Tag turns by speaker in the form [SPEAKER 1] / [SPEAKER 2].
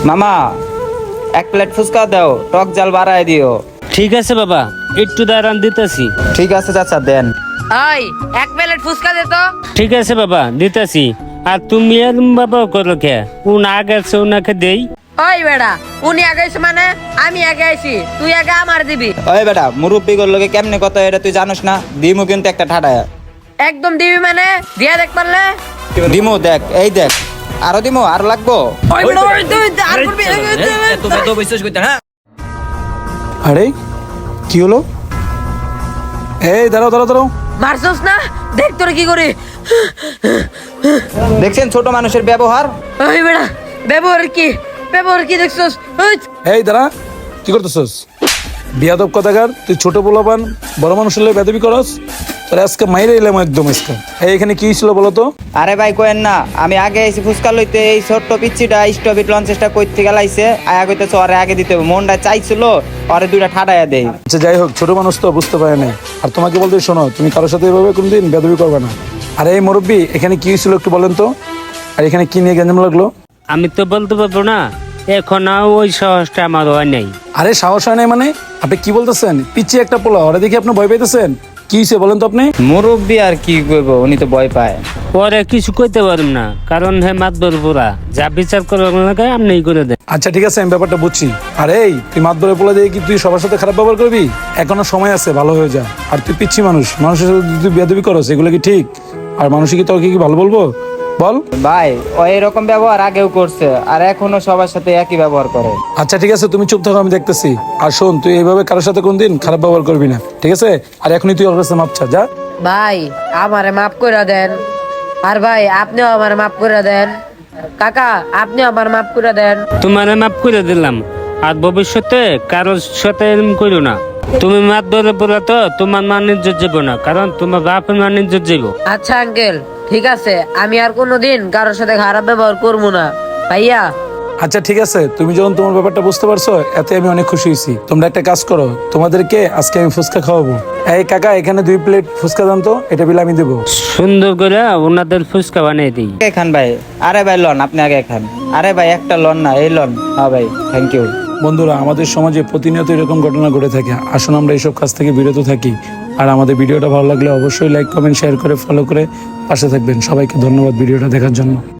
[SPEAKER 1] মামা এক প্লেট ফুচকা দাও, টক জাল বাড়ায় দিও।
[SPEAKER 2] ঠিক আছে বাবা, একটু দাঁড়ান দিতেছি।
[SPEAKER 1] ঠিক আছে চাচা, দেন।
[SPEAKER 3] ওই এক প্লেট ফুচকা দে তো।
[SPEAKER 2] ঠিক আছে বাবা, দিতেছি। আর তুমি এরম বাবা করো কে? উন আগে আছে উনাকে দেই।
[SPEAKER 3] ওই বেড়া, উনি আগে আইছে মানে আমি আগে আইছি, তুই আগে আমার দিবি।
[SPEAKER 1] ওই বেটা, মুরব্বি লোকে কেমনে কত এটা তুই জানোস না? দিমু কিন্তু একটা ঠাডায়।
[SPEAKER 3] একদম দিবি মানে দিয়া দেখ পারলে।
[SPEAKER 1] দিমু, দেখ, এই দেখ। আরো দিমু, আর লাগবো?
[SPEAKER 3] ওই বেড়া, ওই তুই আর করবি।
[SPEAKER 4] আরে কি হলো? এই দাঁড়াও দাঁড়াও দাঁড়াও।
[SPEAKER 3] মারছস না? দেখ তোর কি করি।
[SPEAKER 1] দেখছেন ছোট মানুষের ব্যবহার?
[SPEAKER 3] ওই বেড়া, ব্যবহার কি দেখছস? ওই
[SPEAKER 4] এই দাঁড়া, কি করতেছস? বিয়াদব কথাকার, তুই ছোট পোলাপান বড় মানুষের লেগে বেদবি করস। তোর আজকে মাইরে এলাম একদম আজকে। এই এখানে কি ছিল বলো তো?
[SPEAKER 1] আরে ভাই কোয়েন না, আমি আগে এসে ফুচকা লইতে এই ছোট্ট পিচ্ছিটা স্টপিট লঞ্চেসটা কইতে গেলাইছে। আয়া কইতেছে ওরে আগে দিতে হবে, মনটা চাইছিল ওরে দুইটা ঠাডায়া দেই।
[SPEAKER 4] আচ্ছা যাই হোক, ছোট মানুষ তো বুঝতে পারে না। আর তোমাকে বলতে শোনো, তুমি কারোর সাথে এভাবে কোনদিন বেদবি করবে না। আরে এই মুরব্বি, এখানে কি ছিল একটু বলেন তো? আর এখানে কি নিয়ে গ্যাঞ্জাম লাগলো?
[SPEAKER 2] আমি তো বলতে পারবো না, এখন ওই সাহসটা আমার হয় নাই।
[SPEAKER 4] আরে সাহস হয় নাই মানে? আপনি কি বলতেছেন? পিচ্ছি একটা পোলা, ওরা দেখি আপনি ভয় পাইতেছেন। কি হয়েছে বলেন তো আপনি?
[SPEAKER 1] মুরব্বি আর কি কইব, উনি তো ভয় পায়।
[SPEAKER 2] পরে কিছু কইতে পারব না, কারণ হে মাতবর পুরা যা বিচার করবার লাগে আপনি করে দেন।
[SPEAKER 4] আচ্ছা ঠিক আছে, আমি ব্যাপারটা বুঝছি। আর এই তুই মাতবরে পোলা দিয়ে কি তুই সবার সাথে খারাপ ব্যবহার করবি? এখনো সময় আছে, ভালো হয়ে যা। আর তুই পিচ্ছি মানুষ, মানুষের সাথে তুই বেয়াদবি করস, এগুলো কি ঠিক? আর মানুষ কি তোকে কি ভালো বলবো? বল।
[SPEAKER 1] ভাই ও এরকম ব্যবহার আগেও করছে, আর এখনো সবার সাথে একই ব্যবহার করে।
[SPEAKER 4] আচ্ছা ঠিক আছে, তুমি চুপ থাকো, আমি দেখতেছি। আর শোন, তুই এইভাবে কারোর সাথে কোনদিন খারাপ ব্যবহার করবি না, ঠিক আছে? আর এখনই তুই ওর কাছে মাপ চা, যা।
[SPEAKER 3] ভাই আমারে মাফ করে দেন। আর ভাই আপনিও আমার মাফ করে দেন। কাকা আপনিও আমার মাফ করে দেন।
[SPEAKER 2] তোমার মাফ করে দিলাম, আর ভবিষ্যতে কারোর সাথে এরকম করো না। তুমি মাতবরে পুরা তো তোমার মান ইজ্জত যাবো না, কারণ তোমার বাপের মান ইজ্জত যাবো।
[SPEAKER 3] আচ্ছা আঙ্কেল, ঠিক আছে, আমি আর কোনোদিন কারোর সাথে খারাপ ব্যবহার করবো না ভাইয়া।
[SPEAKER 4] আচ্ছা ঠিক আছে, তুমি যখন তোমার ব্যাপারটা বুঝতে পারছো, এতে আমি অনেক খুশি হয়েছি। তোমরা একটা কাজ করো, তোমাদেরকে আজকে আমি ফুচকা খাওয়াবো। এই কাকা, এখানে 2 প্লেট ফুচকা দাম তো, এটা বিল আমি দেবো।
[SPEAKER 2] সুন্দর করে ওনাদের ফুচকা বানিয়ে দিই।
[SPEAKER 1] আগে খান ভাই। আরে ভাই লন, আপনি আগে খান। আরে ভাই একটা লন না, এই লন। হ্যাঁ ভাই, থ্যাংক ইউ।
[SPEAKER 4] বন্ধুরা, আমাদের সমাজে প্রতিনিয়ত এরকম ঘটনা ঘটে থাকে। আসুন আমরা এইসব কাজ থেকে বিরত থাকি। আর আমাদের ভিডিওটা ভালো লাগলে অবশ্যই লাইক, কমেন্ট, শেয়ার করে ফলো করে পাশে থাকবেন। সবাইকে ধন্যবাদ ভিডিওটা দেখার জন্য।